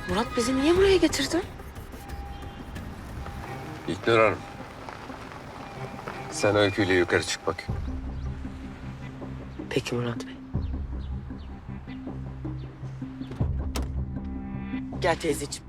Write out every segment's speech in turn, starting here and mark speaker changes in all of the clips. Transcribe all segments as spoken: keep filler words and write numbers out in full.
Speaker 1: Murat bizi niye buraya getirdi?
Speaker 2: İlknur Hanım. Sen Öykü'yle yukarı çık bak.
Speaker 1: Peki Murat Bey. Gel teyzeciğim.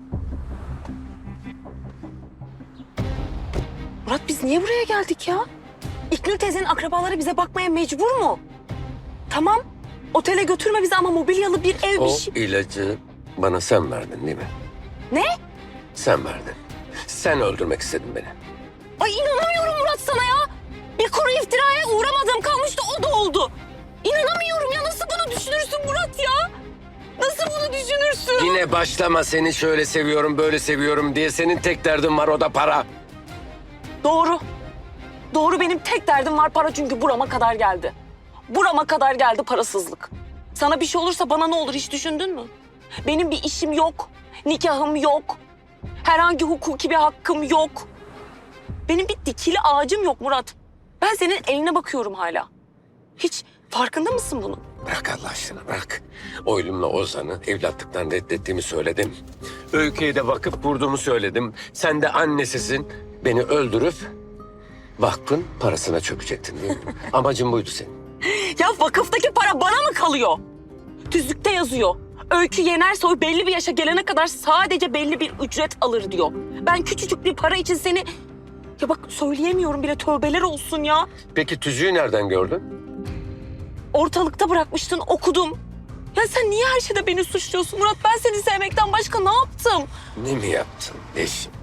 Speaker 1: Murat biz niye buraya geldik ya? İlknur teyzenin akrabaları bize bakmaya mecbur mu? Tamam. Otele götürme bizi ama mobilyalı bir ev
Speaker 2: O
Speaker 1: bir şey.
Speaker 2: ilacı bana sen verdin değil mi?
Speaker 1: Ne?
Speaker 2: Sen verdin. Sen öldürmek istedin beni.
Speaker 1: Ay inanamıyorum Murat sana ya. Bir kuru iftiraya uğramadığım kalmıştı o da oldu. İnanamıyorum ya, nasıl bunu düşünürsün Murat ya? Nasıl bunu düşünürsün?
Speaker 2: Yine başlama, seni şöyle seviyorum böyle seviyorum diye. Senin tek derdin var, o da para.
Speaker 1: Doğru. Doğru, benim tek derdim var para, çünkü burama kadar geldi. Burama kadar geldi parasızlık. Sana bir şey olursa bana ne olur hiç düşündün mü? Benim bir işim yok. Nikahım yok. Herhangi hukuki bir hakkım yok. Benim bir dikili ağacım yok Murat. Ben senin eline bakıyorum hala. Hiç farkında mısın bunun?
Speaker 2: Bırak Allah aşkına, bırak. Oylumla Ozan'ı evlatlıktan reddettiğimi söyledim. Öykü'ye de bakıp vurduğumu söyledim. Sen de annesisin. Beni öldürüp vakfın parasına çökecektin değil mi? Amacın buydu senin.
Speaker 1: Ya vakıftaki para bana mı kalıyor? Tüzükte yazıyor. Öykü Yenersoy belli bir yaşa gelene kadar sadece belli bir ücret alır diyor. Ben küçücük bir para için seni... Ya bak söyleyemiyorum bile, tövbeler olsun ya.
Speaker 2: Peki tüzüğü nereden gördün?
Speaker 1: Ortalıkta bırakmıştın, okudum. Ya sen niye her şeyde beni suçluyorsun Murat? Ben seni sevmekten başka ne yaptım?
Speaker 2: Ne mi yaptın eşim?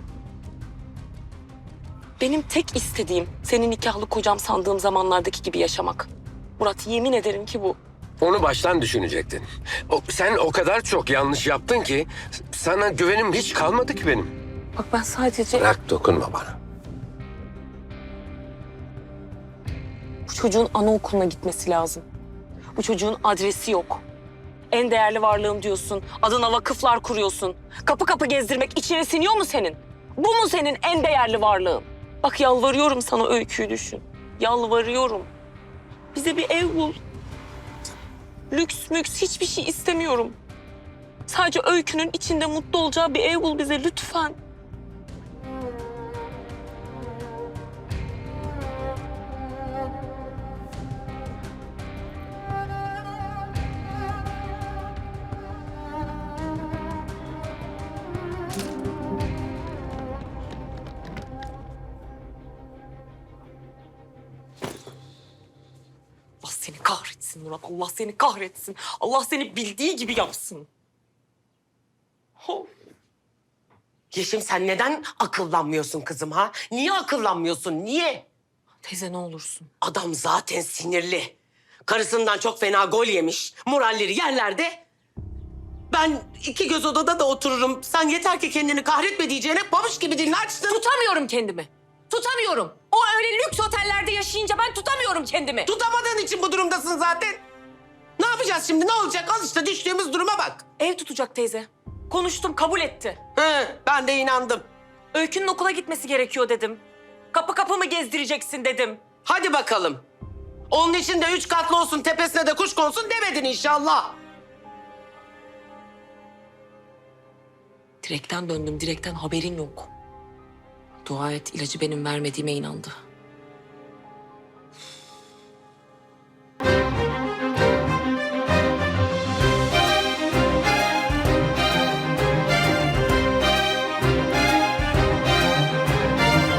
Speaker 1: Benim tek istediğim senin nikahlı kocam sandığım zamanlardaki gibi yaşamak. Murat yemin ederim ki bu.
Speaker 2: Onu baştan düşünecektin. O, sen o kadar çok yanlış yaptın ki sana güvenim hiç kalmadı ki benim.
Speaker 1: Bak ben sadece...
Speaker 2: Bırak, dokunma bana.
Speaker 1: Bu çocuğun anaokuluna gitmesi lazım. Bu çocuğun adresi yok. En değerli varlığım diyorsun. Adına vakıflar kuruyorsun. Kapı kapı gezdirmek içine siniyor mu senin? Bu mu senin en değerli varlığın? Bak yalvarıyorum sana, Öykü'yü düşün. Yalvarıyorum. Bize bir ev bul. Lüks müks hiçbir şey istemiyorum. Sadece Öykü'nün içinde mutlu olacağı bir ev bul bize lütfen. Allah seni kahretsin Murat. Allah seni kahretsin. Allah seni bildiği gibi yapsın. Oh.
Speaker 3: Yeşim sen neden akıllanmıyorsun kızım ha? Niye akıllanmıyorsun? Niye?
Speaker 1: Teyze ne olursun.
Speaker 3: Adam zaten sinirli. Karısından çok fena gol yemiş. Moralleri yerlerde. Ben iki göz odada da otururum. Sen yeter ki kendini kahretme diyeceğine babuş gibi dilini açtın.
Speaker 1: Tutamıyorum kendimi. Tutamıyorum. O öyle lüks otellerde yaşayınca ben tutamıyorum kendimi.
Speaker 3: Tutamadığın için bu durumdasın zaten. Ne yapacağız şimdi? Ne olacak? Al işte düştüğümüz duruma bak.
Speaker 1: Ev tutacak teyze. Konuştum, kabul etti.
Speaker 3: He, ben de inandım.
Speaker 1: Öykü'nün okula gitmesi gerekiyor dedim. Kapı kapı mı gezdireceksin dedim.
Speaker 3: Hadi bakalım. Onun için de üç katlı olsun, tepesine de kuş konsun demedin inşallah.
Speaker 1: Direkten döndüm, direkten haberin yok. Dua et ilacı benim vermediğime inandı.